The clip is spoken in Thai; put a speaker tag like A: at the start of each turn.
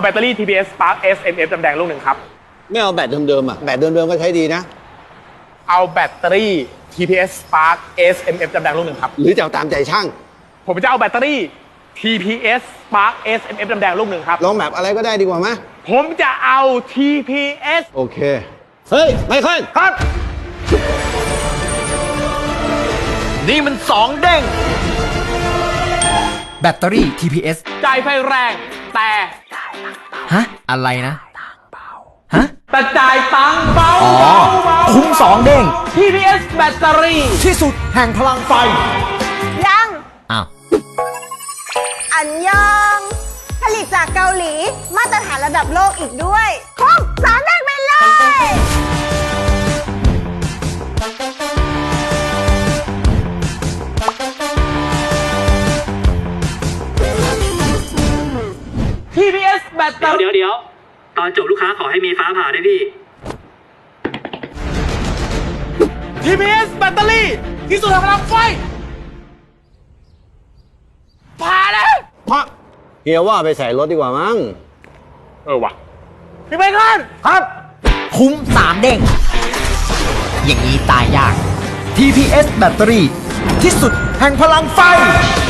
A: แบตเตอรี่ TPS Spark SMF จำแดงลูกหนึ่งครับ
B: ไม่เอาแบตเดิมๆอ่ะแบตเดิมๆก็ใช้ดีนะ
A: เอาแบตเตอรี่ TPS Spark SMF จำแดงลูกหนึ่งครับ
B: หรือจะเอาตามใจช่าง
A: ผมจะเอาแบตเตอรี่ TPS Spark SMF จำแดงลูกหนึ่งครับ
B: ลองแบบอะไรก็ได้ดีกว่าไหม
A: ผมจะเอา TPS
B: โอเคเฮ้ยไมเคิล
A: ครับ
C: นี่มัน2เด้งแบตเตอรี่ TPS
A: จ่ายไฟแรงแต่
C: ฮะอะไรนะฮะ
A: แต่จ่ายตังค์เบา
C: คุ้ม2เด้ง
A: TPS แบตเตอรี่
C: ที่สุดแห่งพลังไฟ
D: ยัง
C: อ้าว
D: อันยองผลิตจากเกาหลีมาตรฐานระดับโลกอีกด้วยคุ้ม3 เด้งไปเลย
A: TPS แบตเตอรี่
E: เดี๋ยวตอนจบลูกค้าขอให้มีฟ้าผ่าด้วยพี่
A: TPS แบตเตอรี่ที่สุดแห่งพลังไฟผ่าแล้ว
B: พระเฮียว่าไปใส่รถดีกว่ามั้ง
A: วะพี่ไปก่อน
B: ครับ
C: คุ้ม3เด้งอย่างนี้ตายยาก TPS แบตเตอรี่ที่สุดแห่งพลังไฟ